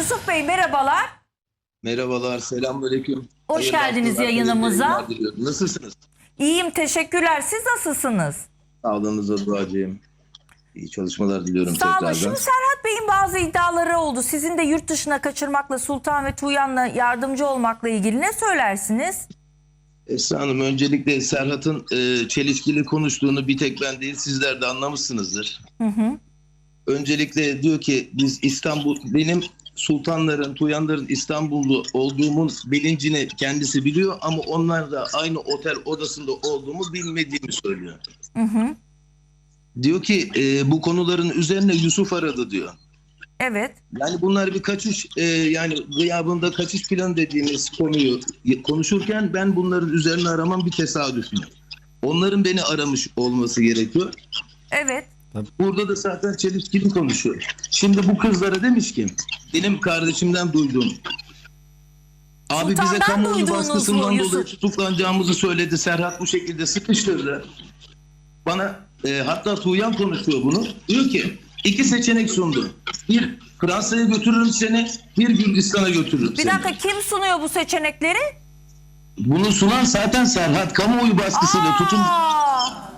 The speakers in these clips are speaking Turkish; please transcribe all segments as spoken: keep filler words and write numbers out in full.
Yusuf Bey merhabalar. Merhabalar, selamünaleyküm. Hoş Hayırlı geldiniz haftalar, yayınımıza. hayırlı yayınlar diliyorum. Nasılsınız? İyiyim, teşekkürler. Siz nasılsınız? Sağlığınıza duacıyım. İyi çalışmalar diliyorum Sağ olun. tekrardan. Şimdi Serhat Bey'in bazı iddiaları oldu. Sizin de yurt dışına kaçırmakla, Sultan ve Tuğyan'la yardımcı olmakla ilgili ne söylersiniz? Esra Hanım, öncelikle Serhat'ın e, çelişkili konuştuğunu bir tek ben değil sizler de anlamışsınızdır. Hı hı. Öncelikle diyor ki biz İstanbul, benim sultanların, Tuğyanların İstanbullu olduğumun bilincini kendisi biliyor ama onlar da aynı otel odasında olduğumu bilmediğimi söylüyor. Hı hı. Diyor ki e, bu konuların üzerine Yusuf aradı diyor. Evet. Yani bunlar bir kaçış e, yani gıyabında kaçış planı dediğimiz konuyu konuşurken ben bunların üzerine aramam bir tesadüf mü? Onların beni aramış olması gerekiyor. Evet. Burada da zaten çelişkili konuşuyor. Şimdi bu kızlara demiş ki benim kardeşimden duyduğum abi bize Sultan'dan kamuoyu duyduğunuz baskısından mu dolayı Yusuf? tutuklanacağımızı söyledi. Serhat bu şekilde sıkıştırdı. Bana e, hatta Tuğyan konuşuyor bunu. Diyor ki iki seçenek sundu. Bir Fransa'ya götürürüm seni, bir Gürcistan'a götürürüm Bir seni. dakika, kim sunuyor bu seçenekleri? Bunu sunan zaten Serhat kamuoyu baskısıyla tutun. Aa!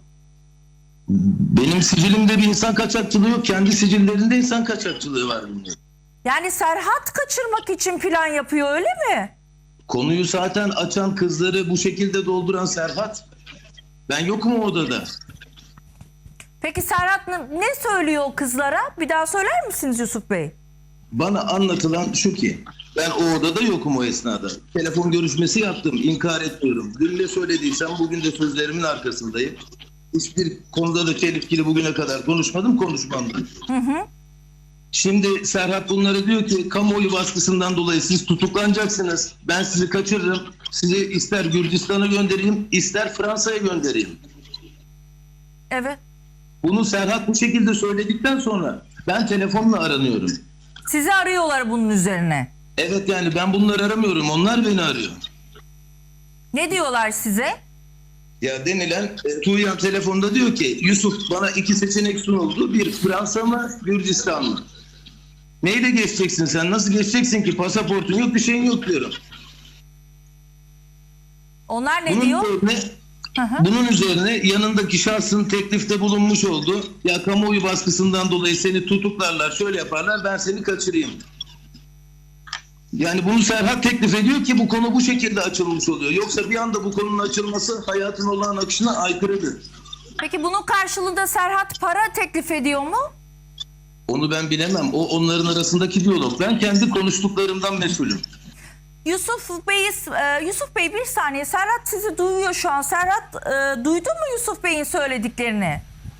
Benim sicilimde bir insan kaçakçılığı yok. Kendi sicillerinde insan kaçakçılığı var bunun. Yani Serhat kaçırmak için plan yapıyor, öyle mi? Konuyu zaten açan kızları bu şekilde dolduran Serhat. Ben yokum o odada. Peki Serhat ne ne söylüyor o kızlara? Bir daha söyler misiniz Yusuf Bey? Bana anlatılan şu ki ben o odada yokum o esnada. Telefon görüşmesi yaptım, inkar etmiyorum. Dün ne söylediysem bugün de sözlerimin arkasındayım. Hiçbir konuda da çelişkili bugüne kadar konuşmadım, konuşmam da. Hı hı. Şimdi Serhat bunları diyor ki kamuoyu baskısından dolayı siz tutuklanacaksınız. Ben sizi kaçırırım. Sizi ister Gürcistan'a göndereyim, ister Fransa'ya göndereyim. Evet. Bunu Serhat bu şekilde söyledikten sonra ben telefonla aranıyorum. Sizi arıyorlar bunun üzerine. Evet, yani ben bunları aramıyorum, onlar beni arıyor. Ne diyorlar size? Ya denilen e, Tuğyan telefonda diyor ki Yusuf bana iki seçenek sunuldu. Bir Fransa mı, Gürcistan mı? Neyle geçeceksin sen? Nasıl geçeceksin ki? Pasaportun yok, bir şeyin yok diyorum. Onlar ne Bunun diyor? üzerine, Hı hı. bunun üzerine yanındaki şahsın teklifte bulunmuş oldu. Ya kamuoyu baskısından dolayı seni tutuklarlar, şöyle yaparlar, ben seni kaçırayım. Yani bunu Serhat teklif ediyor ki bu konu bu şekilde açılmış oluyor. Yoksa bir anda bu konunun açılması hayatın olağan akışına aykırıdır. Peki bunun karşılığında Serhat para teklif ediyor mu? Onu ben bilemem. O onların arasındaki diyalog. Ben kendi konuştuklarımdan mesulüm. Yusuf Bey, e, Yusuf Bey bir saniye. Serhat sizi duyuyor şu an. Serhat e, duydu mu Yusuf Bey'in söylediklerini?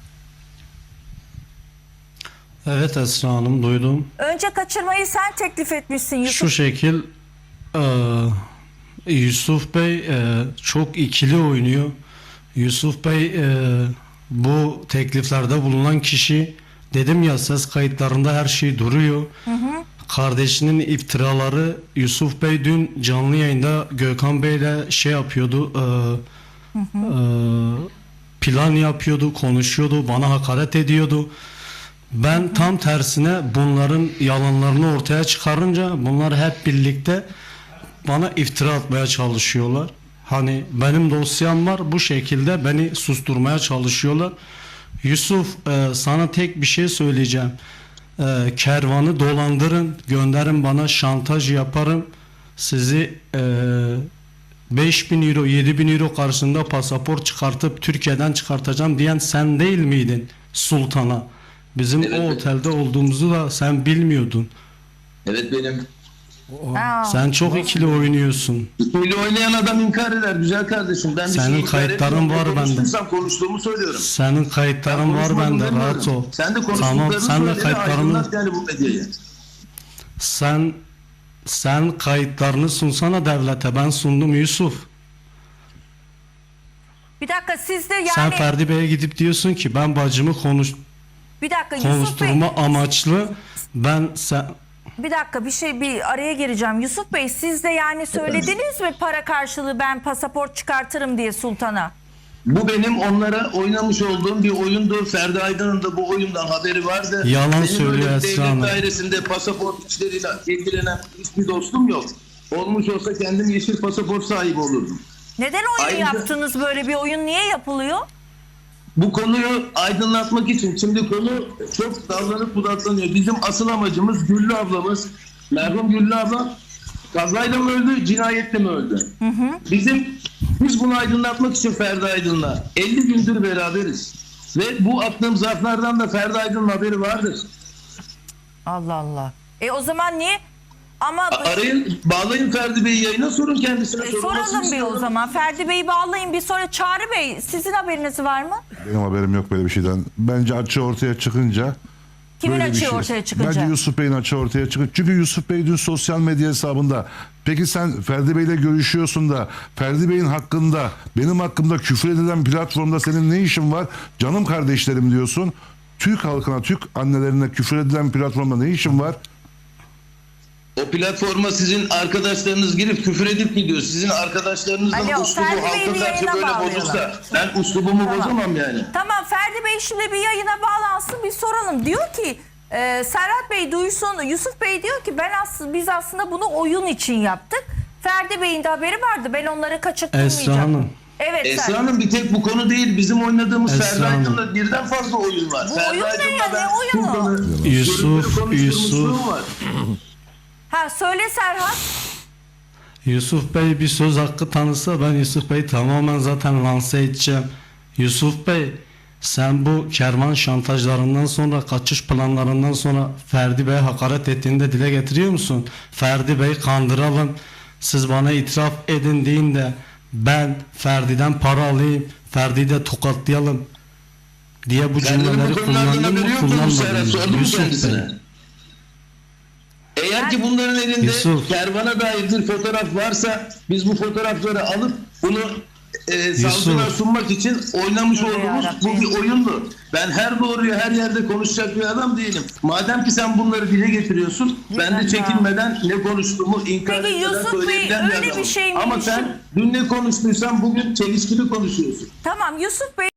Evet Esra Hanım, duydum. Önce kaçırmayı sen teklif etmişsin Yusuf. Şu şekil e, Yusuf Bey e, çok ikili oynuyor. Yusuf Bey e, bu tekliflerde bulunan kişi, dedim ya ses kayıtlarında her şey duruyor. Hı hı. Kardeşinin iftiraları, Yusuf Bey dün canlı yayında Gökhan Bey'le şey yapıyordu, e, Hı hı. e, plan yapıyordu, konuşuyordu, bana hakaret ediyordu. Ben tam tersine bunların yalanlarını ortaya çıkarınca bunlar hep birlikte bana iftira atmaya çalışıyorlar. Hani benim dosyam var, bu şekilde beni susturmaya çalışıyorlar. Yusuf, e, sana tek bir şey söyleyeceğim. E, kervanı dolandırın, gönderin bana, şantaj yaparım. Sizi e, beş bin euro, yedi bin euro karşısında pasaport çıkartıp Türkiye'den çıkartacağım diyen sen değil miydin sultana? Bizim Evet, o evet. otelde olduğumuzu da sen bilmiyordun. Evet benim. Aa. Sen çok ikili oynuyorsun. Böyle oynayan adam inkar eder güzel kardeşim. Ben bir Senin şey inkar kayıtların etmiyorum. var Ne bende. konuştuysam konuştuğumu söylüyorum. Senin kayıtların Ben var konuşmadım bende, demiyorum. rahat ol. Sen de Tamam, konuştuklarını sen de söyle, kayıtlarını, aydınlat yani bu medyayı. sen sen kayıtlarını sunsana devlete. Ben sundum Yusuf. Bir dakika, siz de yani Sen Ferdi Bey'e gidip diyorsun ki ben bacımı konuş bir dakika Yusuf Bey, konuşturma amaçlı ben sen bir dakika bir şey bir araya gireceğim. Yusuf Bey, siz de yani söylediniz mi para karşılığı ben pasaport çıkartırım diye sultana? Bu benim onlara oynamış olduğum bir oyundu. Ferdi Aydın'ın da bu oyundan haberi vardı. Yalan Benim söylüyor öyle Esra Hanım. devlet dairesinde pasaport işleriyle ilgilenen hiçbir dostum yok. Olmuş olsa kendim yeşil pasaport sahibi olurdum. Neden oyun Ayrıca- yaptınız, böyle bir oyun niye yapılıyor? Bu konuyu aydınlatmak için, şimdi konu çok dallanıp budaklanıyor. Bizim asıl amacımız Güllü ablamız, merhum Güllü abla kazayla mı öldü, cinayetle mi öldü? Hı hı. Bizim, biz bunu aydınlatmak için Ferdi Aydın'la elli gündür beraberiz. Ve bu attığım zarflardan da Ferdi Aydın'ın haberi vardır. Allah Allah. E o zaman niye? Ama A- Arayın, bağlayın Ferdi Bey'i yayına, sorun kendisine. E, sorulmasını soralım bir o istiyorum. zaman. Ferdi Bey'i bağlayın bir, sonra Çağrı Bey, sizin haberiniz var mı? Benim haberim yok böyle bir şeyden. Bence açığı ortaya çıkınca Kimin böyle bir açığı şey. ortaya çıkınca? Bence Yusuf Bey'in açığı ortaya çıkınca. Çünkü Yusuf Bey dün sosyal medya hesabında, peki sen Ferdi Bey'le görüşüyorsun da Ferdi Bey'in hakkında, benim hakkımda küfür edilen platformda senin ne işin var? Canım kardeşlerim diyorsun. Türk halkına, Türk annelerine küfür edilen platformda ne işin var? O platforma sizin arkadaşlarınız girip küfür edip gidiyor. Sizin arkadaşlarınızın Alo, uslubu Ferdi Bey'i halka bir karşı yayına böyle bağlayalım. bozulsa ben uslubumu Tamam. bozamam yani. Tamam, Ferdi Bey şimdi bir yayına bağlansın, bir soralım. Diyor ki e, Serhat Bey duysun, Yusuf Bey diyor ki ben aslında biz aslında bunu oyun için yaptık. Ferdi Bey'in de haberi vardı, ben onları kaçırtmayacağım. Esra Hanım. Evet Esra Serhat. Hanım, bir tek bu konu değil. Bizim oynadığımız Esra Ferdi Hanım. Aydın'da birden fazla oyun var. Bu Ferdi oyun ne Aydın'da ya, ben ne oyunu? Sultan'ı Yusuf, görüntülü konuşturmuşluğum Yusuf. var. Ha söyle Serhat. Yusuf Bey bir söz hakkı tanısa ben Yusuf Bey'i tamamen zaten lanse edeceğim. Yusuf Bey, sen bu kervan şantajlarından sonra, kaçış planlarından sonra Ferdi Bey'e hakaret ettiğini de dile getiriyor musun? Ferdi Bey kandıralım, siz bana itiraf edin deyin de ben Ferdi'den para alayım, Ferdi'yi de tokatlayalım diye bu Ferdi'nin cümleleri bu konulardan kullandın mı, haberi yok mu bu Serhat? kullanmadın Sordun mı? mu Yusuf Bey. kendisine? Eğer ki bunların elinde Yusuf. kervana dair bir fotoğraf varsa biz bu fotoğrafları alıp bunu e, savcılara sunmak için oynamış Tövbe olduğumuz bu yarabbim. bir oyundu. Ben her doğruyu her yerde konuşacak bir adam değilim. Madem ki sen bunları dile getiriyorsun, ben de çekinmeden ne konuştuğumu inkar Peki etmeden Yusuf Bey, söyleyebilen bir öyle bir adamım. şey mi? Ama sen dün ne konuştuysan bugün çelişkili konuşuyorsun. Tamam Yusuf Bey.